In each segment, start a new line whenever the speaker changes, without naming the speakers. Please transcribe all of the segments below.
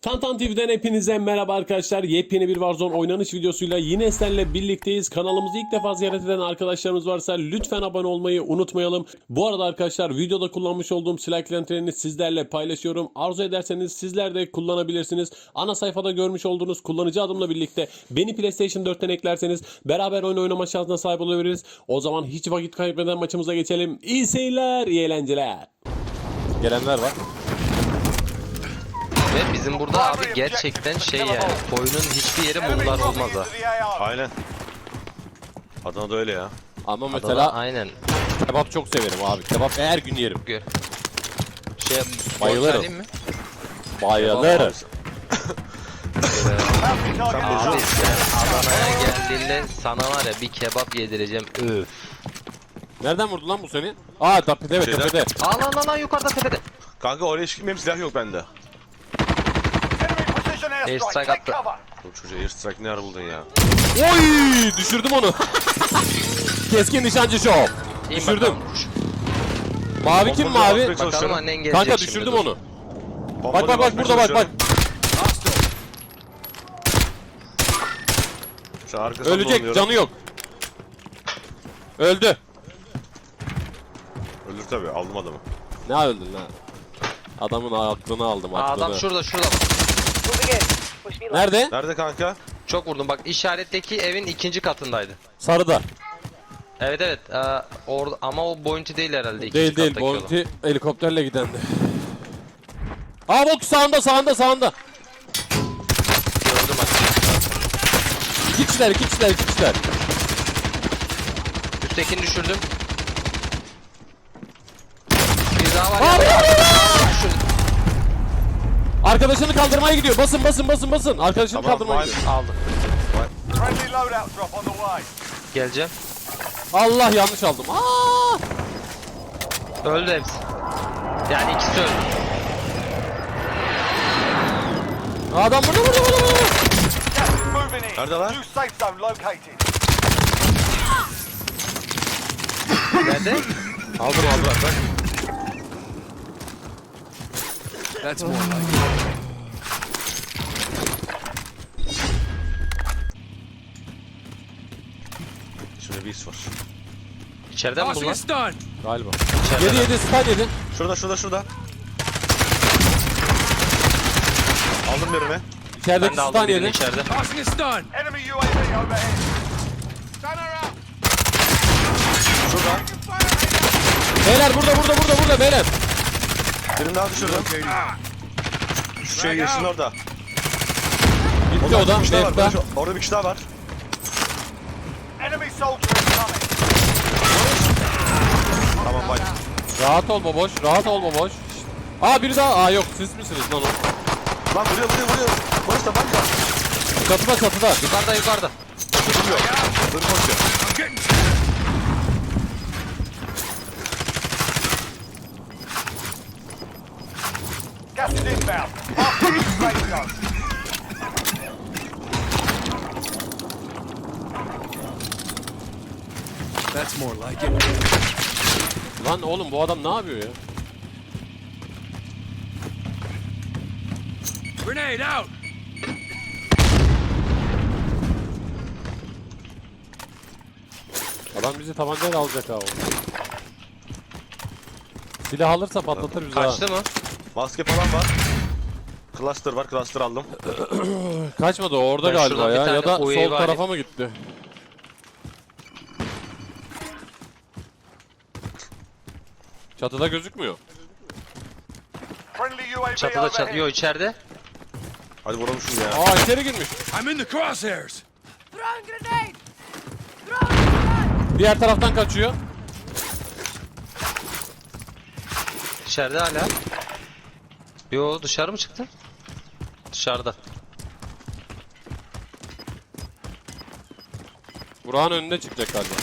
Tantan TV'den hepinize merhaba arkadaşlar. Yepyeni bir Warzone oynanış videosuyla yine sizlerle birlikteyiz. Kanalımızı ilk defa ziyaret eden arkadaşlarımız varsa lütfen abone olmayı unutmayalım. Bu arada arkadaşlar videoda kullanmış olduğum silah eklentilerini sizlerle paylaşıyorum. Arzu ederseniz sizler de kullanabilirsiniz. Ana sayfada görmüş olduğunuz kullanıcı adımla birlikte beni PlayStation 4'ten eklerseniz beraber oyun oynama şansına sahip olabiliriz. O zaman hiç vakit kaybeden maçımıza geçelim. İyi seyirler, iyi eğlenceler. Gelenler var.
Ve bizim burada abi gerçekten şey yani oyunun hiçbir yeri mumlar olmaz ha.
Aynen. Adana'da öyle ya.
Ama
Adana,
mesela
aynen.
kebap çok severim abi. Kebap her gün yerim.
Şey
Bayılırım.
borç mi?
Bayılırım.
Abi sen Adana'ya geldiğinde sana var ya bir kebap yedireceğim. Öf.
Nereden vurdu lan bu seni? Aa tepede, evet
Şeyden-
tepede.
Al yukarıda tepede.
Kanka oraya hiç gitmeyeyim, silah yok bende.
Airstrike attı.
Bu çocuğa airstrike ne ara buldun ya?
Oy! Düşürdüm onu. Keskin nişancı şov.
İyi
Düşürdüm.
bakalım.
Mavi kim
Bomba
mavi?
atmaya
Bakalım
çalışıyorum.
annen gelecek
Kanka
şimdi,
düşürdüm
dur.
onu.
Bomba
Bak
atmaya
burada bak.
çalışıyorum. Şu arkasından
Ölecek,
dolanıyorum.
canı yok. Öldü.
Ölür tabii, aldım adamı.
Ne öldün lan? Adamın aklını aldım,
Aa,
aklını.
adam şurada.
Nerede?
Nerede kanka?
Çok vurdum bak, işaretteki evin ikinci katındaydı.
Sarıda.
Evet orada ama o bounty değil herhalde ikinci
Değil
kattaki olan.
Bounty helikopterle gidendi. Aa bak sağında.
Gördüm bak.
İki kişiler.
Üsttekini düşürdüm. Bir daha var
Aa,
ya. Düşürdüm.
Arkadaşını kaldırmaya gidiyor. Basın. Arkadaşını
Tamam,
kaldırmaya
vay.
gidiyor.
Aldım.
Friendly loadout drop on the way.
Geleceğim.
Allah yanlış aldım. Aa!
Öldü hepsi. Yani ikisi öldü.
Adam burada.
Gas is moving in.
Nerede lan?
New safe zone located.
Nerede?
Aldım.
Şimdi bir is var.
İçeriden mi bu lan?
Galiba.
İçeriden.
Yedi stun yedi.
Şurada. Aldım birimi.
İçerideki
Ben de aldım
stun
birini
yedi.
içeride.
Enemy UAV overhead. Stunner out.
Şurada.
Beyler burada beyler.
Birini daha düşürdüm. Şu şey yeşilin orada.
Gitti o da.
Bir kişi daha var.
Lefta.
Orada bir kişi daha var.
Enemy soldier incoming.
Tamam bak.
Rahat ol baboş. Şşt. Aa biri daha. Aa yok siz misiniz lan o?
Lan vuruyor. Barış da bak ya.
Çatıda.
Yukarıda.
Vuruyor. Dur koşuyor.
Gas is inbound. Half of the safe zone.
Lan oğlum bu adam ne yapıyor ya? Adam bizi tabancayla alacak ha oğlum. Silah alırsa patlatır bizi ha.
Kaçtı mı?
Maske falan var. Cluster var. Cluster aldım.
Kaçmadı o orada
Ben
galiba
şuradan bir
ya.
tane
Ya da
UAV
sol
var.
tarafa mı gitti? Çatıda gözükmüyor.
Friendly UAV
Çatıda
overhead.
Yo içeride.
Hadi vuralım şunu ya.
Aa içeri girmiş.
Throwing grenade!
Diğer taraftan kaçıyor.
İçeride hala. Yo dışarı mı çıktı? Dışarıda.
Burak'ın önünde çıkacak galiba.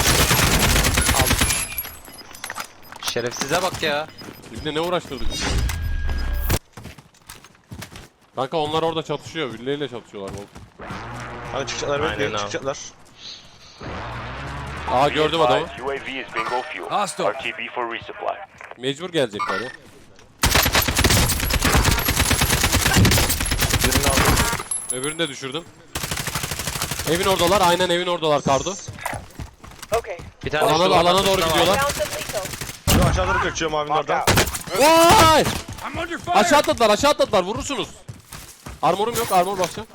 Şerefsize bak ya.
Şimdi ne uğraştırdık bizi? Kanka onlar orada çatışıyor. Birileriyle çatışıyorlar oğlum.
Hadi çıkacaklar.
Aynen
Bekleyin
abi.
çıkacaklar.
Aa gördüm adamı.
UAV is bingo fuel.
Hostile.
RTB for resupply.
Mecbur gelecekler ya.
Birini aldım.
Öbürünü de düşürdüm. Evin oradalar. Aynen evin oradalar Kardo.
Okay.
Bir tane şu
Alana doğru
arkasında var.
gidiyorlar.
Down some lethal.
Şu aşağı doğru kaçıyorum abinin
Mark
oradan.
out.
Vay! Aşağı atladılar. Vurursunuz. Armorum yok. Armor basacağım.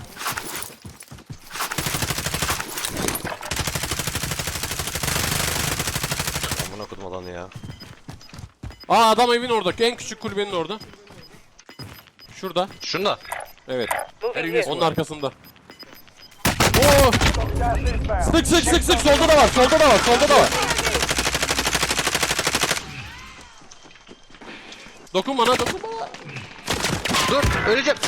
Amına kodum alanı ya.
Aa adam evin orada. En küçük kulübenin orada. Şurada.
Şunda.
Evet.
Moving here.
Onun arkasında. Oo!
Gas inbound.
Sık. Solda da var. Dokun bana.
Dur öleceğim.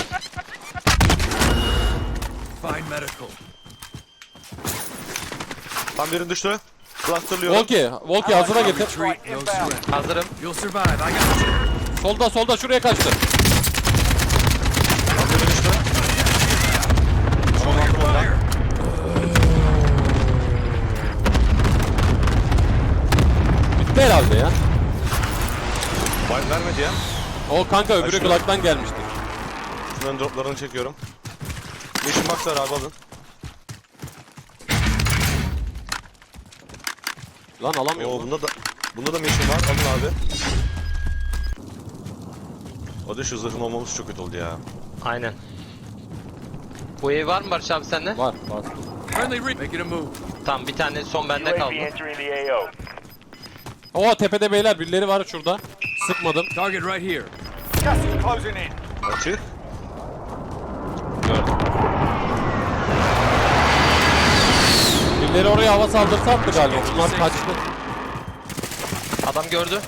Tam birini düştü. Clusterlıyorum.
Volki hazıra getir.
Right inbound.
Hazırım.
Solda şuraya kaçtı.
Tam biri düştü. Tamam aldım ondan.
Bitti herhalde ya.
Vay vermedi ya.
O kanka öbürü
şurada.
Glock'tan gelmiştir.
Şunların droplarını çekiyorum. Yeşil box var abi alın.
Lan alamıyorum.
Oo
lan.
bunda da mission var. Alın abi. O da şu zırhın olmamız çok kötü oldu ya.
Aynen. Bu ev var mı Barış abi sende?
Var.
Tamam bir tane son bende kaldı.
UAV entering the AO.
Oo tepede beyler birileri var şurada. Sıkmadım.
Gas is closing in.
Açık.
Birileri oraya hava saldırısı attı galiba. Bunlar kaçtı.
Adam gördü.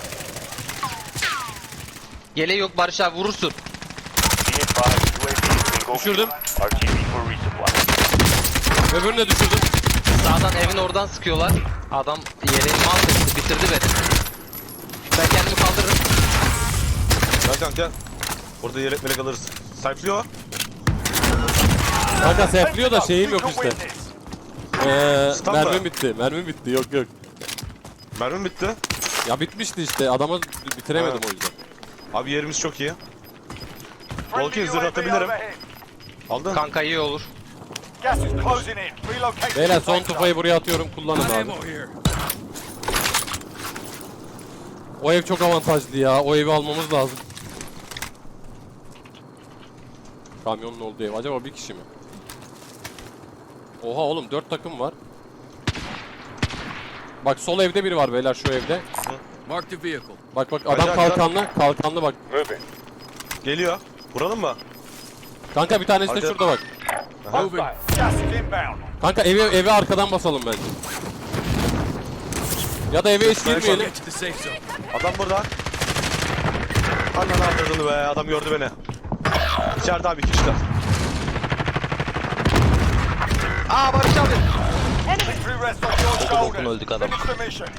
Yeleği yok Barış abi vurursun.
Be advised, UAV is bingo
Düşürdüm.
fuel. RTV for resupply.
Öbürünü de düşürdüm.
Sağdan evin oradan sıkıyorlar. Adam yeleğimi aldı bitirdi beni. Ben kendimi kaldırırım.
Gel kanka. Burada yelek melek alırız. Sayflıyor.
Kanka sefliyor da şeyim yok
You can
işte.
win this.
Stun mı?
Mermim bitti. Yok.
Mermim bitti.
Ya bitmişti işte. Adama bitiremedim
Ha.
o yüzden.
Abi yerimiz çok iyi.
Friendly
Volki zırh
UAV
atabilirim.
overhead.
Aldın.
Kanka iyi olur.
Gas is closing in. Relocate.
Beyler son tufayı buraya atıyorum. Kullanın abi. O ev çok avantajlı ya. O evi almamız lazım. Kamyonun olduğu ev. Acaba bir kişi mi? Oha oğlum 4 takım var. Bak sol evde biri var beyler şu evde.
Mark the vehicle.
Bak adam
Acayip,
kalkanlı bak.
Moving.
Geliyor. Vuralım mı?
Kanka bir tanesi de
Hadi.
şurada bak.
Moving.
Gas is inbound.
Kanka evi arkadan basalım bence. Ya da eve hiç girmeyelim.
Get to the safe zone.
Adam burada. Ananı avradını be. Adam gördü beni. İçeride abi 2 kişiler.
Aa Barış abi.
Victory rests on your
Dokun
shoulders.
öldük adam.
Finish the mission.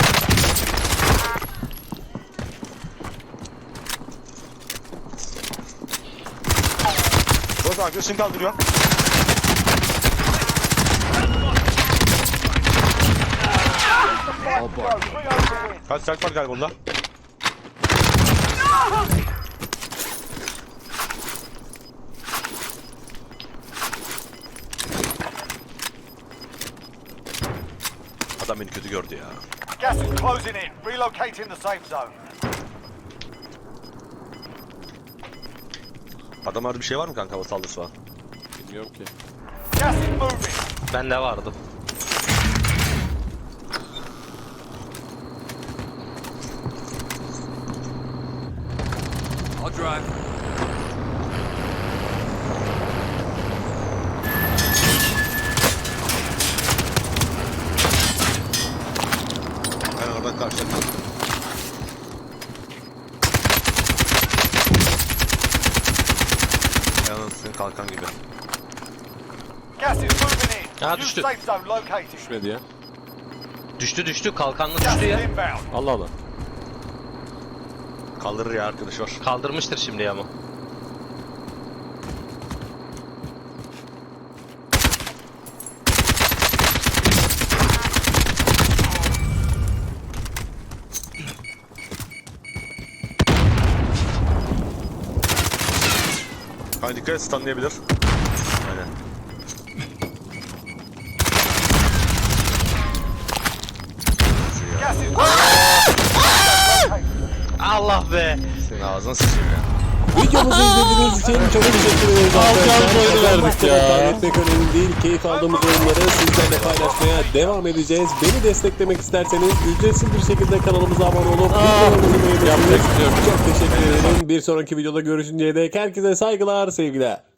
Burası arkadaşını kaldırıyor. Kaç saat var galiba bunda? Adam beni kötü gördü ya.
Gas is closing in. Relocating the safe zone.
Adamlarda bir şey var mı kanka hava saldırısı falan?
Bilmiyorum ki.
Gas is moving.
Bende vardı.
I'll drive.
Ben oradan karşıladım. Yalnız senin kalkan gibi.
Gas is moving in.
Ha,
New
düştü.
safe zone located.
Düşmedi ya.
Düştü kalkanlı
Gas
düştü
is
ya.
inbound.
Allah Allah.
Kaldırır ya arkadaş var.
Kaldırmıştır şimdi ama.
Abi dikkat et, stunlayabilir. Aynen.
Gas is
Allah be.
Senin ağzına sıçayım ya.
Videomuzu izlediğiniz için çok teşekkür ederiz arkadaşlar. Verdik ya. Kaybetmek önemli değil. Keyif aldığımız oyunları sizlerle paylaşmaya devam edeceğiz. Beni desteklemek isterseniz ücretsiz bir şekilde kanalımıza abone olup videolarımızı beğenirsiniz. Çok teşekkür ederim. Bir sonraki videoda görüşünceye dek herkese saygılar, sevgiler.